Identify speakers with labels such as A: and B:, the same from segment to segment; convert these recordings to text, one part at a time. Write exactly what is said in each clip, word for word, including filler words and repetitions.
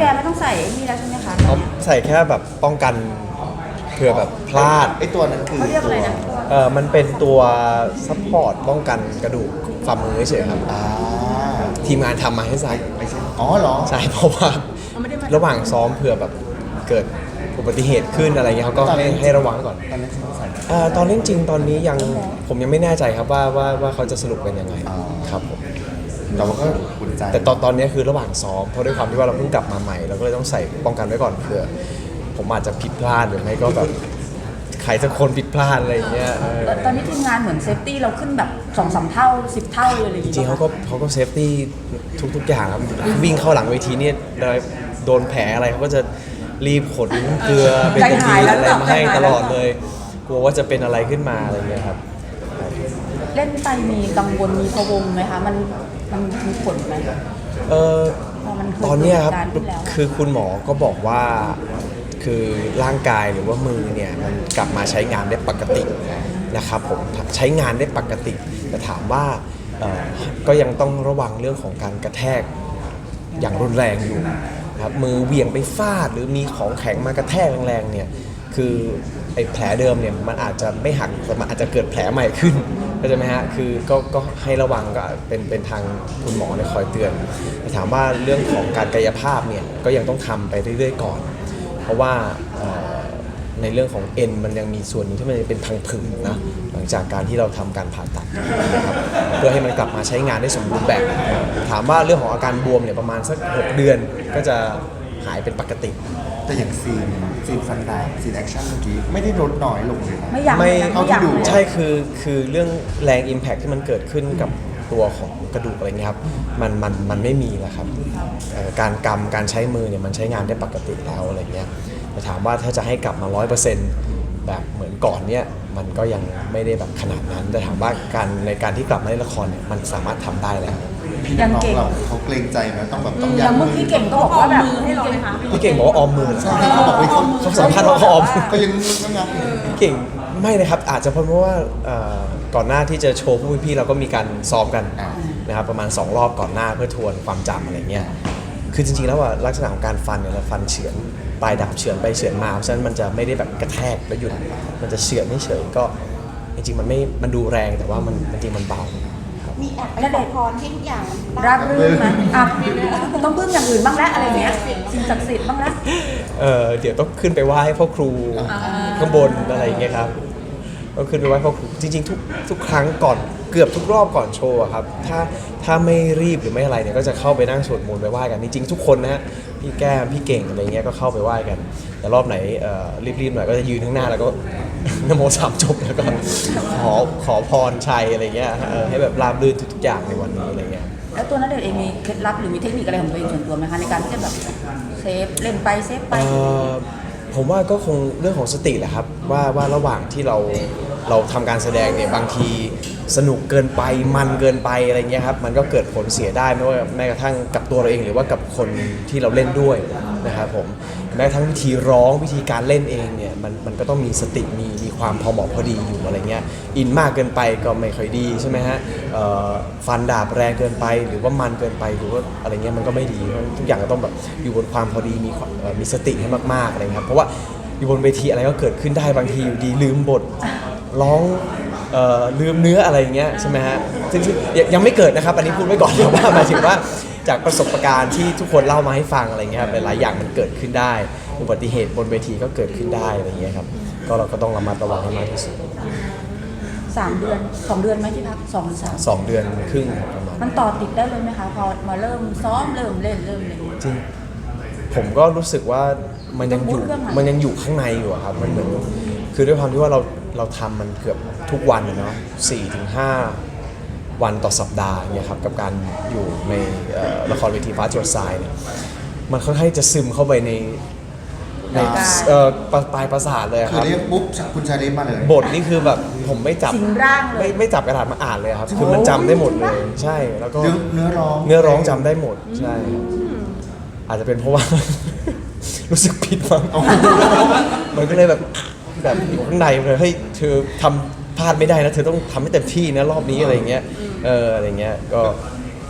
A: ไม่ต้องใส่นี่แล้วใช่ไหมคะ
B: เขาใส่แค่แบบป้องกันเผื่อแบบพลาด
C: ไอ้ตัวนั้นคือ
A: เขาเรียกอะไรนะ
B: เออมันเป็นตัวซัพพอร์ตป้องกันกระดูกฝ่ามือเฉยๆครับ
C: อ่า
B: ทีมงานทำมาให้ใส่
C: ไม่ใช่อ๋อเหรอ
B: ใช่เพราะว่าระหว่างซ้อมเผื่อแบบเกิดอุบัติเหตุขึ้นอะไรเงี้ยเขาก็ให้ให้ระวังก่อน
C: ตอนนี้เขาใส่
B: เอ่อตอนเล่นจริงตอนนี้ยังผมยังไม่แน่ใจครับว่าว่าว่าเขาจะสรุปเป็นยังไงครับผม
C: แต่ว่าก็อุ่นใจ
B: แต่ตอนตอนนี้คือระหว่างซ้อมเพราะด้วยความที่ว่าเราเพิ่งกลับมาใหม่เราก็เลยต้องใส่ป้องกันไว้ก่อนเผื่อผมอาจจะผิดพลาดหรือไม่ก็แบบใครสักคนผิดพลาดอะไรเงี้ย
A: ตอนนี้ทีมงานเหมือนเซฟตี้เราขึ้นแบบสองสามเท่าสิบเท่าเลยอะไรอย่าง
B: จ
A: เงี้ย
B: ริงๆเขาก็เขาก็เซฟตี้ทุกๆอย่างครับวิ่งเข้าหลังเวทีเนี่ยโดนแผลอะไรเขาก็จะรีบขนเกลือเบตาดีนอะไรมาให้ตลอดเลยกลัวว่าจะเป็นอะไรขึ้นมาอะไรเงี้ยครับ
A: เล่นไปมีกังวลมีพะวงไหมคะมันมันมีผลไหม
B: เออตอนนี้ครับคือคุณหมอก็บอกว่าคือร่างกายหรือว่ามือเนี่ยมันกลับมาใช้งานได้ปกตินะครับผมใช้งานได้ปกติแต่ถามว่าก็ยังต้องระวังเรื่องของการกระแทกอย่างรุนแรงอยู่นะครับมือเหวี่ยงไปฟาดหรือมีของแข็งมากระแทกแรงๆเนี่ยคือไอ้แผลเดิมเนี่ยมันอาจจะไม่หักแต่มันอาจจะเกิดแผลใหม่ขึ้นเข้าใจไหมฮะคือก็ก็ให้ระวังก็เป็นเป็นทางคุณหมอเนี่ยคอยเตือนแต่ถามว่าเรื่องของการกายภาพเนี่ยก็ยังต้องทำไปเรื่อยๆก่อนเพราะว่าในเรื่องของเอ็นมันยังมีส่วนหนึงที่มันเป็นพังผืดนะหลังจากการที่เราทำการผ่าตัดนะครับเพื่อให้มันกลับมาใช้งานได้สมบูรณ์แบบถามว่าเรื่องของอาการบวมเนี่ยประมาณสักหกเดือนก็จะหายเป็นปกติ
C: แต่อย่างซีนซีนฟันดาบซีนแอคชั่นเมื่อกี้ไม่ได้ลดน้อยลงเลยนะ
A: ไม่อยาก
B: ไม่
A: เท่าที่ดู
B: ใช่คือคือเรื่องแรง impact ที่มันเกิดขึ้นกับตัวของกระดูกอะไรเงี้ยครับมันมันมันไม่มีแล้วครับการกำการใช้มือเนี่ยมันใช้งานได้ปกติแล้วอะไรเงี้ยแต่ถามว่าถ้าจะให้กลับมา ร้อยเปอร์เซ็นต์ แบบเหมือนก่อนเนี่ยมันก็ยังไม่ได้แบบขนาดนั้นแต่ถามว่าการในการที่กลับมาเล่นละครเนี่ยมันสามารถทำได้แล้ว
C: พี่น้องเราเขาเกรงใจไหมต้องแบบต้อง
A: ยั
C: ง
A: มือพี่เก่งก็บอกว่าแบบให้เราเลยค่ะ
B: พี่เก่งบอกว่าออมมือ
C: ใช่เขาบอกว่า
B: เขาสัมภาษณ์ว่าเขาออม
C: ก็ยังต้องงาน
B: พี่เก่งไม่นะครับอาจจะเพราะว่าก่อนหน้าที่จะโชว์ผู้พี่เราก็มีการซ้อมกันนะครับประมาณสองรอบก่อนหน้าเพื่อทวนความจำอะไรเงี้ยคือจริงๆแล้วว่าลักษณะของการฟันเนี่ยเราฟันเฉือนปลายดาบเฉือนไปเฉือนมาเพราะฉะนั้นมันจะไม่ได้แบบกระแทกแล้วหยุดมันจะเฉือนเฉยๆก็จริงๆมันไม่มันดูแรงแต่ว่ามันจริงๆมันเบา
D: มีแอบไปขอพรที่ทุกอย่าง
A: ราบรื่นไหมอ่ะต้องพึ่งอย่างอื่นบ้างแล้วอะไรเงี้ยสิ่งศักดิ์สิทธิ์บ้างแล้ว
B: เออเดี๋ยวต้องขึ้นไปไหว้พ่อครูข้างบนอะไรอย่างเงี้ยครับต้องขึ้นไปไหว้พ่อครูจริงๆทุกทุกครั้งก่อนเกือบทุกรอบก่อนโชว์ครับถ้าถ้าไม่รีบหรือไม่อะไรเนี่ยก็จะเข้าไปนั่งสวดมนต์ไปไหว้กันจริงๆทุกคนนะฮะพี่แก้มพี่เก่งอะไรเงี้ยก็เข้าไปไหว้กันแต่รอบไหนรีบๆหน่อยก็จะยืนข้างหน้าแล้วก็นโมสามจบแล้วก็ขอขอพรชัยอะไรเงี้ยให้แบบราบรื่นทุกๆอย่างในวันนี้อะไรเงี้ย
A: แล้วตัวณเดชน์เองมีเคล็ดลับหรือมีเทคนิคอะไรของตัวเองส่วนตัวไหมคะในการที่จะแบบเซฟเล่นไปเซฟไป
B: ผมว่าก็คงเรื่องของสติแหละครับว่าว่าระหว่างที่เราเราทำการแสดงเนี่ยบางทีสนุกเกินไปมันเกินไปอะไรเงี้ยครับมันก็เกิดผลเสียได้ไม่ว่าแม้กระทั่งกับตัวเราเองหรือว่ากับคนที่เราเล่นด้วยนะครับผมแม้กระทั่งวิธีร้องวิธีการเล่นเองเนี่ยมันมันก็ต้องมีสติมีมีความพอเหมาะพอดีอยู่อะไรเงี้ยอินมากเกินไปก็ไม่ค่อยดีใช่ไหมฮะฟันดาบแรงเกินไปหรือว่ามันเกินไปหรือว่าอะไรเงี้ยมันก็ไม่ดีทุกอย่างก็ต้องแบบอยู่บนความพอดีมีมีสติให้มากๆอะไรเงี้ยเพราะว่าอยู่บนเวทีอะไรก็เกิดขึ้นได้บางทีอยู่ดีลืมบทร้องลืมเนื้ออะไรเงี้ยใช่ไหมฮะซึ่งยังไม่เกิดนะครับอันนี้พูดไว้ก่อนแต่ว่าหมายถึงว่าจากประสบการณ์ที่ทุกคนเล่ามาให้ฟังอะไรเงี้ยครับหลายอย่างมันเกิดขึ้นได้อุบัติเหตุบนเวทีก็เกิดขึ้นได้อะไรเงี้ยครับก็เราก็ต้องระมัดระวังให้มากที่สุด
A: สามเดือนสองเดือนไหมที่พักสองหรือสาม
B: สองเดือนครึ่งประมาณ
A: มันต่อติดได้เลยไหมคะพอมาเริ่มซ้อมเริ่มเล่นเริ่มเล่น
B: จริงผมก็รู้สึกว่ามันยังอยู่มันยังอยู่ข้างในอยู่ครับมันเหมือนคือด้วยความที่ว่าเราเราทำมันเกือบทุกวันเนาะสี่ถึงห้าวันต่อสัปดาห์เนี่ยครับกับการอยู่ในละครเวทีฟ้าจรดทรายเนี่ยมันค่อนข้างจะซึมเข้าไปในในปลายประสาทเลยครับ
C: คือเรียกปุ๊บคุณชาลิมาเลย
B: บทนี่คือแบบผมไม่จับไม่ไม่จับกระดาษมาอ่านเลยครับคือมันจำได้หมดเลยใช่แล้วก็
C: เนื้อร้อง
B: เนื้อร้องจำได้หมดใช่อาจจะเป็นเพราะว่ารู้สึกผิดมั้งมันก็เลยแบบแบบอยู่ข้างในเลยเฮ้ยเธอทำพลาดไม่ได้นะเธอต้องทำให้เต็มที่นะรอบนี้อะไรเงี้ยเอออะไรเงี้ยก็ก็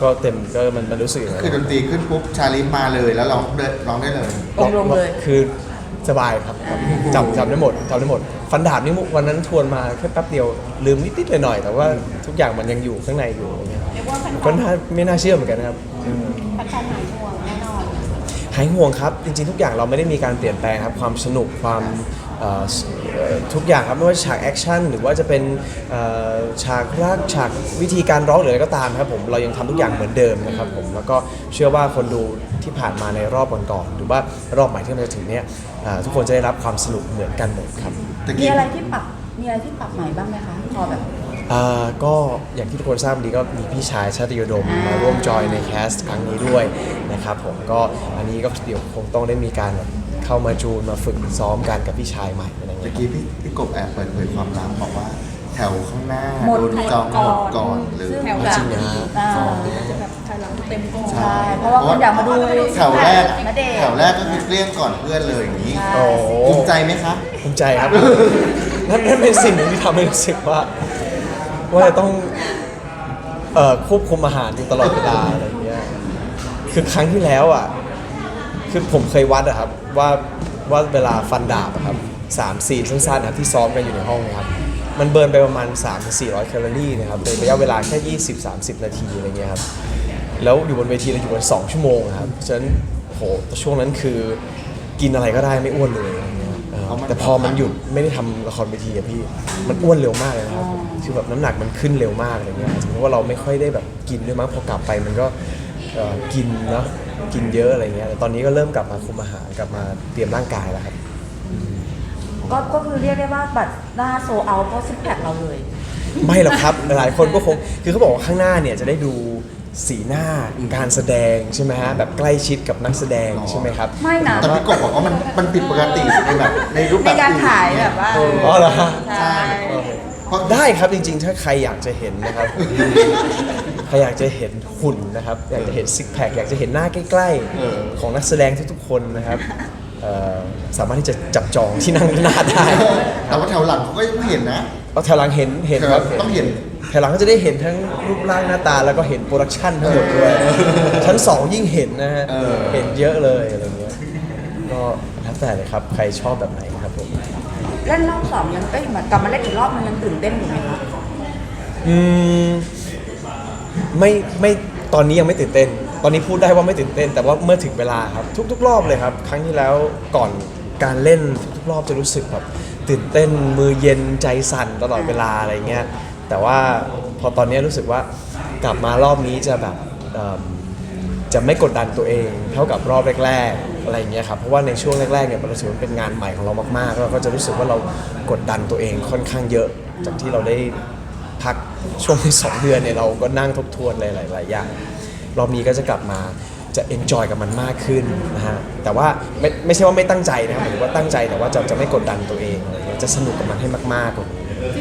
B: ก็เต็มก็มันมันรู้สึกอย่างนั้
C: คือน ดนตรีขึ้นปุ๊บชาลิฟมาเลยแล้วร้องเดินร้องได้เลย
A: องค์ลงเลย
B: คือสบายครับจำจำได้หมดจำได้หมด ฟันดาบนี่วันนั้นทวนมาแค่แป๊บเดียวลืมนิดๆหน่อยๆแต่ว่าทุกอย่างมันยังอยู่ข้างในอยู่อะไรเงี้ย
D: เรียกว่าแฟน
B: ก็น่าไม่น่าเชื่อเหมือนกันนะครับ
D: ๆแฟนๆหายห่วงแน่นอน
B: หายห่วงครับจริงๆทุกอย่างเราไม่ได้มีการเปลี่ยนแปลงครับความสนุกความเอ่อเอ่อทุกอย่างครับไม่ว่าฉากแอคชั่นหรือว่าจะเป็นเอ่อฉากรักฉากวิธีการร้องหรืออะไรก็ตามครับผมเรายังทำทุกอย่างเหมือนเดิมนะครับผมแล้วก็เชื่อว่าคนดูที่ผ่านมาในรอบก่อนๆหรือว่ารอบใหม่ที่มันจะถึงเนี้ยเอ่อทุกคนจะได้รับความสนุกเหมือนกันหมดครับ
C: ตะ
A: มี
C: กี้
A: อะไรที่ปรับมีอะไรที่ปรับใหม่บ้างไหมคะพอแบบ
B: อ่าก็อย่างที่ทุกคนทราบดีก็มีพี่ชายชาติโยดมมาร่วมจอยในแคสต์ครั้งนี้ด้วยนะครับผมก็อันนี้ก็เดี๋ยวคงต้องได้มีการแบบเข้ามาจูนมาฝึกซ้อมกันกับพี่ชายใหม่อะไรอย่าง
C: ตะ
B: เงี้ย
C: กี้พี่พี่กบแอบเปิดเผยความลับบอกว่า แถวข้างหน้า
A: หมด
C: โดนจองหมดก่อนเลย
A: ซึ่ง
B: จริงนะฮะ
A: อ่า
D: จะแบบถอยหลังเต็มก่อน
A: ใช่เพราะว่าคนอยากมาดู
C: แถวแรก
A: ณเดชน์
C: แถวแรกก็คือเกลี้ยงก่อนเพื่อนเลยอย่างนี้
B: โอ้
C: ภูมิใจไหมคะ
B: ภูมิใจครับ นั่นนั่นเป็นสิ่งหนึ่งที่ทำให้รู้สึกว่า ว่าจะต้องเอ่อควบคุมอาหารอยู่ตลอดเวลาอะไรอย่างเงี้ยคือครั้งที่แล้วอ่ะคือผมเคยวัดอะครับว่าว่าเวลาฟันดาบอะครับสามซีนสั้นๆนะครับที่ซ้อมกันอยู่ในห้องเนะครับมันเบิร์นไปประมาณ สามถึงสี่ร้อย แคลอรี่นะครับในระยะเวลาแค่ ยี่สิบถึงสามสิบ นาทีอะไรเงี้ยครับแล้วอยู่บนเวทีเราอยู่กันสองชั่วโมงอะครับฉะนั้นโหแต่ช่วงนั้นคือกินอะไรก็ได้ไม่อ้วนเลยอะไรเงี้ยเออแต่พอมันหยุดไม่ได้ทำละครเวทีอะพี่มันอ้วนเร็วมากเลยนะครับคือแบบน้ำหนักมันขึ้นเร็วมากอะไรเงี้ยเพราะว่าเราไม่ค่อยได้แบบกินด้วยมั้งพอกลับไปมันก็เอ่อกินเนาะกินเยอะอะไรเงี้ยแต่ตอนนี้ก็เริ่มกลับมาคุมอาหารกลับมาเตรียมร่างกายแล้วครับ
A: ก็ก็คือเรียกได้ว่าบัตรหน้าโซเอาเพราะซิกแพคเราเลย
B: ไม่หรอกครับ หลายคนก็คงคือเขาบอกว่าข้างหน้าเนี่ยจะได้ดูสีหน้าการแสดงใช่ไหมฮะแบบใกล้ชิดกับนักแสดงใช่ไหมครับ
A: ไม่นะ
C: แต่พี่กบบอกว่ามันมันผิดปกติในแบบในรูปแบ
A: ใน
C: บ
A: การ
C: อื่น
A: ถ่ายแบบว่า
B: อ๋อเหรอฮะ
A: ใช่
C: เพราะ
B: ได้ครับจริงๆ ถ้าใครอยากจะเห็นนะครับ ใครอยากจะเห็นหุ่นนะครับ อยากจะเห็นซิกแพคอยากจะเห็นหน้าใกล้ๆ ของนักแสดงทุกๆคนนะครับเอ่อสามารถที่จะจับจองที่นั่งหน้าได้
C: แต่ว่าแถวหลังเขาก็ยังไม่เห็นนะ
B: เอาแถวหลังเห็นเห็นครับ
C: ต้องเห็น
B: แถวหลังก็จะได้เห็นทั้งรูปร่างหน้าตาแล้วก็เห็นโปรดักชันทั้งหมดด้วยชั้นสองยิ่งเห็นนะฮะ
C: เออ
B: เห็นเยอะเลยอะไรเงี้ยก็แล้วแต่เลยครับใครชอบแบบไหนครับผม
A: เล่นรอบสองยังเอ้ยเหมือนกลับมาเล่นอีกรอบมันยังตื่นเต้นอยู่ไหมคะ
B: อืมไม่ไม่ตอนนี้ยังไม่ตื่นเต้น ตอนนี้พูดได้ว่าไม่ตื่นเต้น แต่ว่าเมื่อถึงเวลาครับทุกๆรอบเลยครับ ครั้งที่แล้วก่อนการเล่นทุกๆรอบจะรู้สึกแบบตื่นเต้นมือเย็นใจสั่นตลอดเวลาอะไรเงี้ยแต่ว่าพอตอนนี้รู้สึกว่ากลับมารอบนี้จะแบบเอิ่มจะไม่กดดันตัวเองเท่ากับรอบแรกๆอะไรเงี้ยครับเพราะว่าในช่วงแรกๆเนี่ยเรารู้สึกว่าเป็นงานใหม่ของเรามากๆแล้วเราก็จะรู้สึกว่าเรากดดันตัวเองค่อนข้างเยอะจากที่เราได้ พักช่วงที่สองเดือนเนี่ยเราก็นั่งทบทวนหลายๆอย่างรอบนี้ก็จะกลับมาจะเอนจอยกับมันมากขึ้นนะฮะแต่ว่าไม่ไม่ใช่ว่าไม่ตั้งใจนะครับหมายถึงว่าตั้งใจแต่ว่าจะจะไม่กดดันตัวเองอะไรเงี้ยจะสนุกกับมันให้มากๆกว่านี้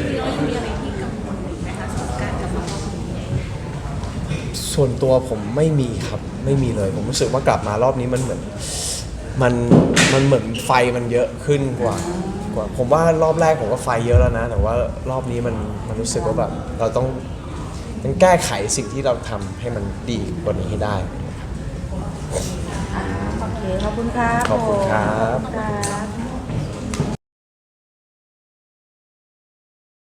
B: ส่วนตัวผมไม่มีครับไม่มีเลย ผมรู้สึกว่ากลับมารอบนี้มันเหมือนมันมันเหมือนไฟมันเยอะขึ้นกว่ากว่าผมว่ารอบแรกผมก็ไฟเยอะแล้วนะ แต่ว่ารอบนี้มันมันรู้สึกว่าแบบเราต้องต้องแก้ไขสิ่งที่เราทำให้มันดีกว่านี้ให้ได้
A: อ่าโอเคขอบคุณครับ
B: ขอบคุณครับ
A: ผมครับ